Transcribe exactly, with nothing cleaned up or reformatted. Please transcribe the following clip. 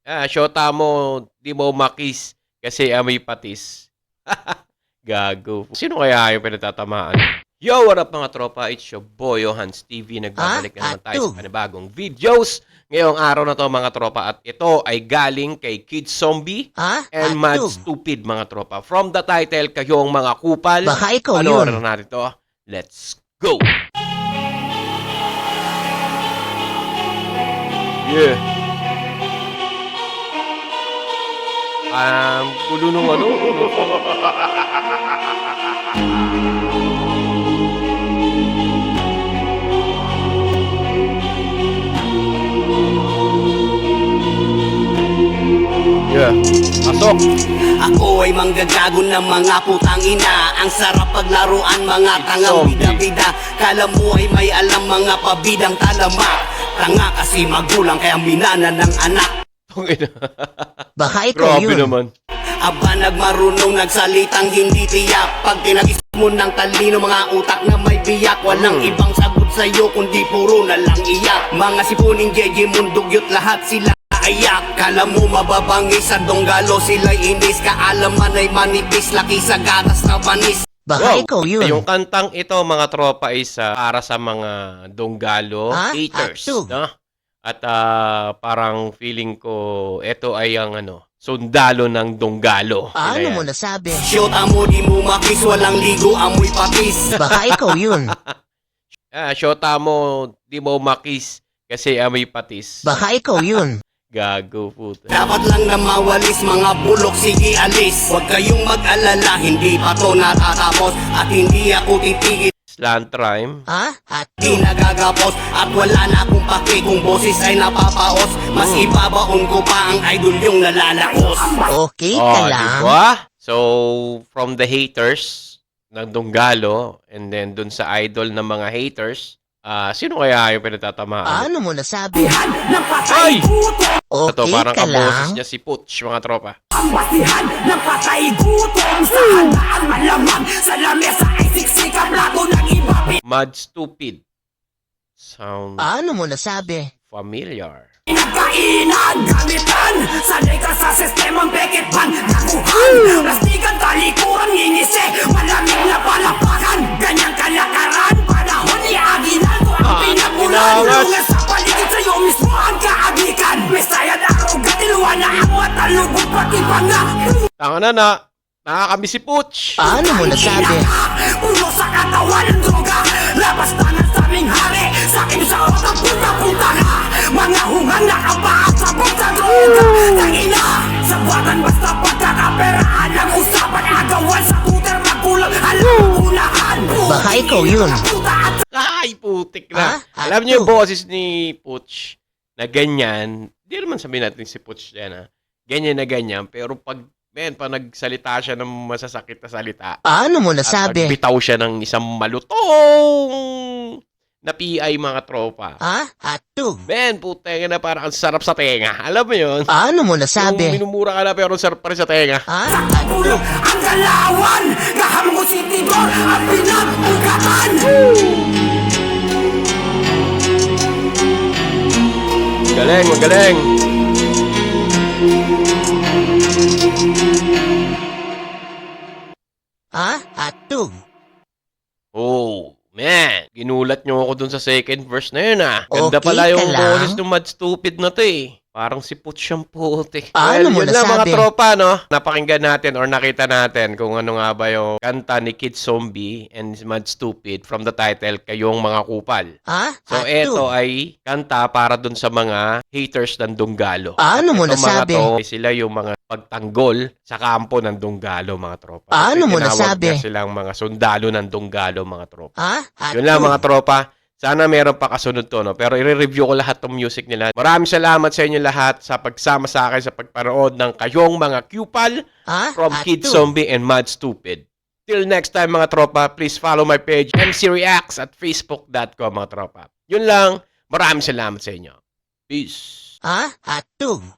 Ah, shota mo, di mo makis kasi amoy patis. Gago. Sino kaya yung pinatatamaan? Yo, what up mga tropa? It's your boy, Hans T V. Nagbabalik na naman tayo sa panibagong videos. Ngayong araw na to mga tropa. At ito ay galing kay Kid Zombie Ah, and Mad Stupid mga tropa. From the title, kayong mga kupal. Baka ikaw Ano yun. na natin to? Let's go! Yeah. Um, gulo nung ano? Yeah. Pasok. Ako ay manggagago ng mga putang ina. Ang sarap paglaruan mga tangang bida-bida. Kala mo ay may alam mga pabidang talamak. Tanga kasi magulang kaya minana ng anak. Baka ikaw Grabe yun. naman. Aba nagmarunong nagsalitang hindi tiyak. Pag tinagis mo ng talino mga utak na may biyak. Walang Hmm. ibang sagot sa'yo kundi puro na lang iyak. Mga sipuning J J mundugyot lahat sila ayak. Kala mo mababangis sa donggalo sila'y inis. Kaalaman ay manipis laki sa gatas na panis. Baka Wow. ikaw yun. Yung kantang ito mga tropa is ah, para sa mga donggalo Ah, haters, ato. no? At ah, parang feeling ko ito ay ang ano, sundalo ng donggalo. Sila Ano yan. mo nasabi? Shota mo di mo makis. Walang ligo amoy patis. Baka ikaw yun. Ah, shota mo, di mo makis kasi amoy patis. Baka ikaw yun. Gago puta. Dapat lang na mawalis mga bulok, sige alis. Huwag kayong mag-alala, hindi pa to natatapos. At hindi ako titigil, Slant rhyme. Ah, di ato. nagagapos. At wala na akong pake kung boses ay napapaos. Mas ibabaon ko pa ang idol yung nalalakos. Okay Oh, ka lang. diba? So, from the haters ng donggalo and then dun sa idol ng mga haters, ah sino kaya yung pinatatamaan? Ano mo nasabi? Ng patay Ay! gutom, Ito, Okay parang ka kaboses lang. niya si Putsch, mga tropa. ang basihan ng patay gutom. Sa handaan malamang, sa lamesa ay siksik ang plato ng iba. Mad Stupid. Sound Ano mo nasabi? familiar. Pinagkainan, gamitan. Sanay ka sa sistemang bekit pan. Nakuhan, plastikan, talikuran, ngingisi. Malamig na palapakan. Ganyang kalakaran, panahon ni Aguinaldo. Ang Ah, pinagulan, Aguinaldo. lungas sa paligid sa'yo mismo ang kaagikan. Misayad aruga, diluwa na ang mata, lubog pati panga. Tanga na na, nakakami si Putsch. Ano mo nasabi? Puno sa katawan ng droga. Labas tangan sa aming hari. Sa akin sa otak, punta-punta ka. Mga hungang nakabaat sa bulsa droga. Tangina, sa batan basta pagkakaperaan. Ang usapan agawan sa tuter magulang. Alam ang unahan. Baka ikaw yun. Puta at Ay, putik na. Ah, Alam niyo yung ato. boses ni Putsch na ganyan. Di naman sabihin natin si Putsch yan, ha? Ganyan na ganyan. Pero pag, men, pag nagsalita siya ng masasakit na salita, Ano mo at nasabi? nagbitaw siya ng isang malutong na P I mga tropa. Ah, ato. Ben, puteng na parang ang sarap sa tenga. Alam mo yun? Ano mo Yung nasabi? minumura ka na pero ang sarap pa rin sa tenga. Ah, ulo ato. ang galawan. Kahamgo si Tidor ang pinag-ugatan. Magaling, magaling. Ah, ato. Oh, man. Ginulat nyo ako dun sa second verse na yun, ah. Ganda Okay pala ka yung lang. boses ng Mad Stupid na to, eh. Parang si Putsch ang putik. Ano mo yun lang mga nasabi? tropa, no? Napakinggan natin or nakita natin kung ano nga ba yung kanta ni Kid Zombie and Mad Stupid from the title, Kayong Mga Kupal. Ah, So, ato. eto ay kanta para dun sa mga haters ng Donggalo. Ano mo Itong nasabi? Mga to, sila yung mga pagtanggol sa kampo ng Donggalo, mga tropa. Ano mo Tinawag nasabi? na silang mga sundalo ng Donggalo, mga tropa. Ah, ato. Yun lang mga tropa. Sana meron pa kasunod to, no? Pero i-review ko lahat ng music nila. Maraming salamat sa inyo lahat sa pagsama sa akin sa pagparood ng Kayong Mga Kupal Ah, from ato. Kid Zombie and Mad Stupid. Till next time mga tropa, please follow my page M C Reacts at facebook dot com mga tropa. Yun lang. Maraming salamat sa inyo. Peace. Ah, ato.